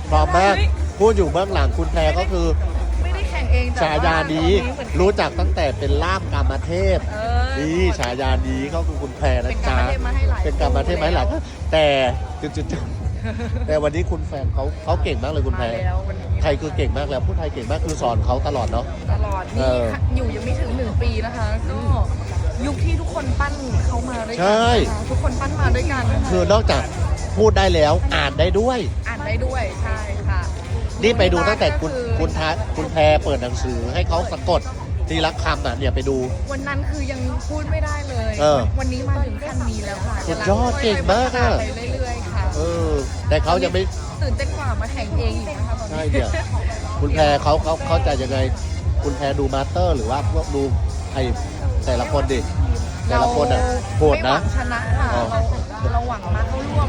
พร้อมมากพูดอยู่เบื้องหลังคุณแพรก็คือไม่ได้แข่งเองแต่ฉายานี้รู้จักตั้งแต่เป็นล่ามกามเทพ นี่ฉายานี้เขาคือคุณแพรนะจ๊ะเป็นกามเทพมาให้หลายแต่จุดๆแต่วันนี้คุณแฟนเขาเก่งมากเลยคุณแพรไทยคือเก่งมากแล้วพูดไทยเก่งมากคือสอนเขาตลอดเนาะตลอดนี่อยู่ยังไม่ถึง1 ปีนะคะก็ยุคที่ทุกคนปั้นเขามาด้วยกัทุกคนปั้นมาด้วยกันคือนอกจากพูดได้แล้วอ่านได้ด้วยอ่านได้ด้วยใช่ค่ะนี่ไปดูตั้งแต่คุณแพรเปิดหนังสือให้เขาสะกดทีละคำน่ะเนี่ยไปดูวันนั้นคือยังพูดไม่ได้เลย วันนี้มาถึงขั้นนี้แล้วค่ะสุดยอดเก่งมากอ่ะไปเรื่อยๆค่ะแต่เขายังไม่ตื่นเต้นกว่ามาแข่งเองอีกนะคะตอนนี้ใช่เนี่ยคุณแพรเขาเข้าใจยังไง คุณแพรดูมาสเตอร์หรือว่าพวกดูไอแต่ละคนดิแต่ละคนอ่ะโหดนะไม่หวังชนะค่ะเราหวังมาเข้าร่วม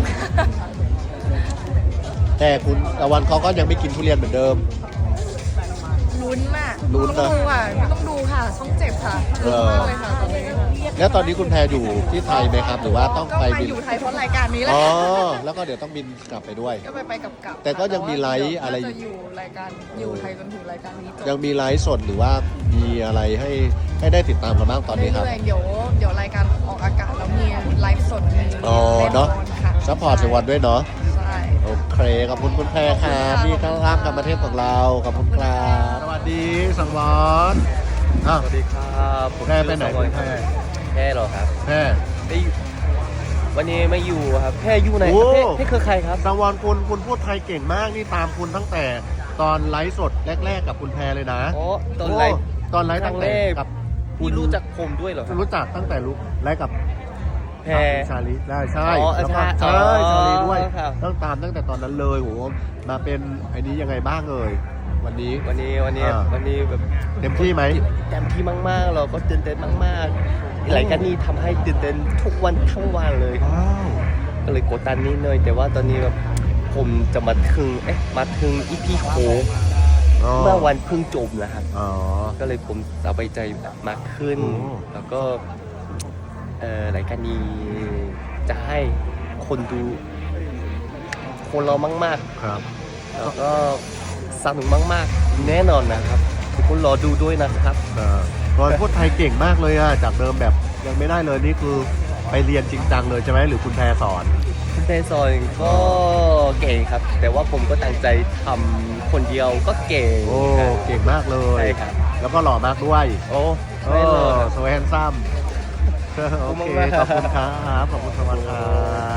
แต่คุณตะวันเขาก็ยังไม่กินทุเรียนเหมือนเดิมลุ้นน่ะลุ้นนะต้องดูค่ะช่องเจ็บค่ะลุ้นมากเลยค่ะตอนนี้แล้วตอนนี้คุณแพรอยู่ที่ไทยไหมครับ หรือว่าต้องไปก็มาบินอยู่ไทยเพราะรายการนี้แหละอ๋อแล้วก็เดี๋ยวต้องบินกลับไปด้วยก็ไปกลับแต่ก็ยังมีไลฟ์อะไรจะอยู่รายการอยู่ไทยจนถึงรายการนี้จบยังมีไลฟ์สดหรือว่ามีอะไรให้ได้ติดตามกันบ้างตอนนี้ครับเรื่อยๆเดี๋ยวรายการออกอากาศแล้วมีไลฟ์สดมีอ๋อเนาะแน่นอนค่ะซัพพอร์ตในวันด้วยเนาะใช่โอเคขอบคุณคุณแพรครับนี่ข้างล่างกับประเทศของเราขอบคุณครับสวัสดีสังวรสวัสดีครับผมแพรไปไหนคุณแพรแพรเหรอครับแพรไม่อยู่วันนี้ไม่อยู่ครับแพรอยู่ไหนโอ้ครับแพรคือใครครับสังวรคุณพูดไทยเก่งมากนี่ตามคุณตั้งแต่ตอนไลฟ์สดแรกๆกับคุณแพรเลยนะอ๋อตอนไลฟ์ตอนไลฟ์ครั้ตั้งงแรแต่กกับพี่รู้จักผมด้วยเหรอครับรู้จักตั้งแต่ไลฟ์กับแพรชาลีได้ใช่อ๋อแล้วก็ใช่ใช่อ๋อชาลีด้วยครับต้องตามตั้งแต่ตอนนั้นเลยโหมาเป็นไอ้นี้ยังไงบ้างเลยวันนี้วันนี้แบบเต็มที่ไหมเต็มที่มากๆเราก็ตื่นเต้นมากๆรายการนี้ทำให้ตื่นเต้นทุกวันทั้งวันเลยว้าวก็เลยกดดันนิดหน่อยแต่ว่าตอนนี้แบบผมจะมาถึงอีพีโคเมื่อวันเพิ่งจบนะครับอ๋อก็เลยผมสบายใจมากขึ้นโอ้แล้วก็รายการนี้จะให้คนดูคนเรามากครับๆ แล้วก็สนุกมากๆ แน่นอนนะครับทุกคนรอดูด้วยนะครับตอนพูดไทยเก่งมากเลยอะจากเดิมแบบยังไม่ได้เลยนี่คือไปเรียนจริงจังเลยใช่ไหมหรือคุณแพรสอนคุณเตซอยก็เก่งครับ แต่ว่าผมก็ตั้งใจทำคนเดียวก็เก่งโอ้เก่งมากเลยใช่ครับแล้วก็หล่อมากด้วยโอ้โอ้ไม่เลยสวยแฮนซัมโอเคขอบคุณครับขอบคุณสวัสดีครับ